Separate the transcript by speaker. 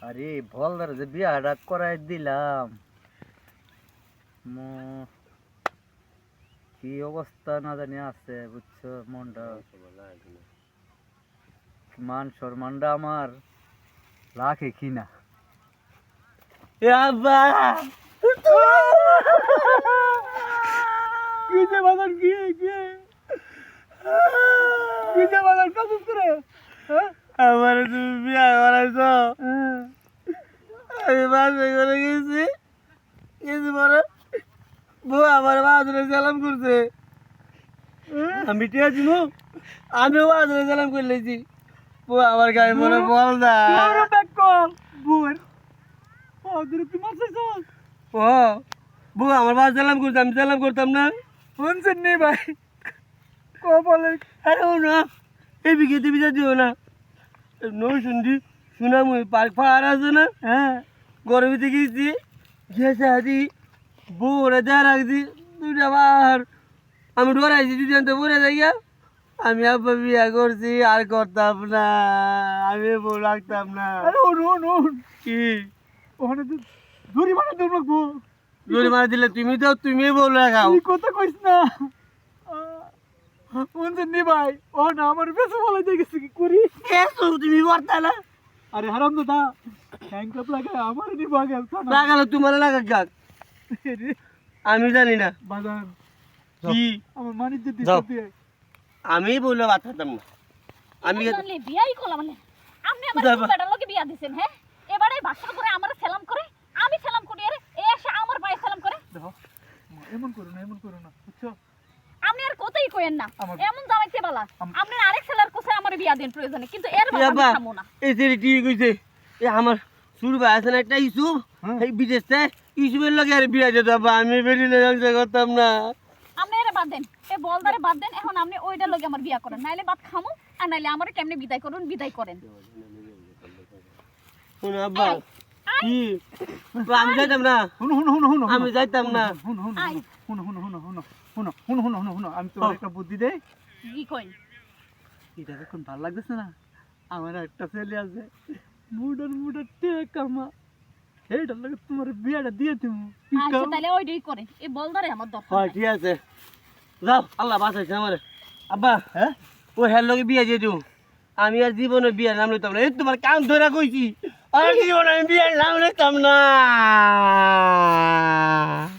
Speaker 1: আরে বলদার যে বিয়াটা করাই দিলাম, কি অবস্থা না জানি আছে বুঝছো। মনটা মান সম্মানটা আমার রাখে কিনা। এ আব্বা কিসে বাজার কিসে বাজার কাজ করে আমার তুমি বিয়া করাইছো। আমি বাসে করে গেছি, কিছু পরে বউ আমার বাজারে সালাম করছে। আমি ঠিক আছি মু, আমিও বাজারে সালাম করে লেছি। বউ আমার গায়ে মনে বল না বউ আমার বাস সালাম করছে, আমি সালাম করতাম না। শুনছেন নি ভাই বলে আরে ও না এই বিঘেতে বিচার দিও না নই শুনছি সুনামুই পার্ক পাহাড় আছে না। হ্যাঁ গরমিতে গেছি গেছে আদি বউ ওরা দেওয়া রাখছি দুইটা বার আমি ডরাইছি দুজন তো পরে যাইয়া। আমি আব্বা বিয়া করছি আর করতাম না, আমি বউ রাখতাম না। কি ওখানে তো জরিমানা দেব লাগবো। জরিমানা দিলে তুমি তো তুমি বউ রাখাও কথা কইস না। শুনছেন নি ভাই ও না আমার বেশি ভালো দেখেছি কি করি তুমি করতা না। আরে হারাম দাদা হ্যাংকাপ লাগে আমার নি বাগে লাগালো তোমার লাগা গাক আমি জানি না বাজান কি আমার মানিজ্য দিতে আমি বললে বাতাতাম না। আমি
Speaker 2: জানলে বিয়াই করলাম মানে আপনি আমার বেটার লগে বিয়া দিবেন। হ্যাঁ এবারে ভাষণ করে আমার সালাম করে আমি সালাম করি আরে এ এসে আমার ভাই সালাম করে।
Speaker 1: দেখো এমন করো না বুঝছো।
Speaker 2: আপনি আর কতই কইেন না এমন জামাইতে বালা আপনি আরেক ছেলের কোসে আমার বিয়া দেন প্রয়োজনে কিন্তু এর বাবা খামো না।
Speaker 1: এই যে ঠিক কইছে এ আমার শুরু ভাই আছে না একটা ইসুফ এই বিদেশে ইসুফের লগে আর বিয়া দিতে বাবা আমি বেরিয়ে সংসার করতাম না।
Speaker 2: আপনি এর বাদ দেন এ বলদারে বাদ দেন এখন আপনি ওইটার লগে আমার বিয়া করেন নাইলে বাদ খামো আর নাইলে আমারে কেমনে বিদায় করেন।
Speaker 1: শুন আব্বা কি আমি যাইতাম না আমি যাইতাম না। শুনো আমি তোমার একটা বুদ্ধি দেই।
Speaker 2: কি কই
Speaker 1: এটা এখন ভালো লাগতেছে না। আমার একটা ছেলে আছে মুডার টেকামা এইটার লাগে তোমার বিয়াটা দিয়ে দিব।
Speaker 2: আচ্ছা তাহলে ওইটাই করেন এই বলদারে আমার দরকার।
Speaker 1: হ্যাঁ ঠিক আছে যাও আল্লাহ বাঁচাইছে আমার। আব্বা হ্যাঁ ও হের লগে বিয়া দিয়ে দিও। আমি আর জীবনে বিয়ার নাম লইতাম না। এই তোমার কান ধরে কইছি আর জীবনে আমি বিয়ার নাম লইতাম না।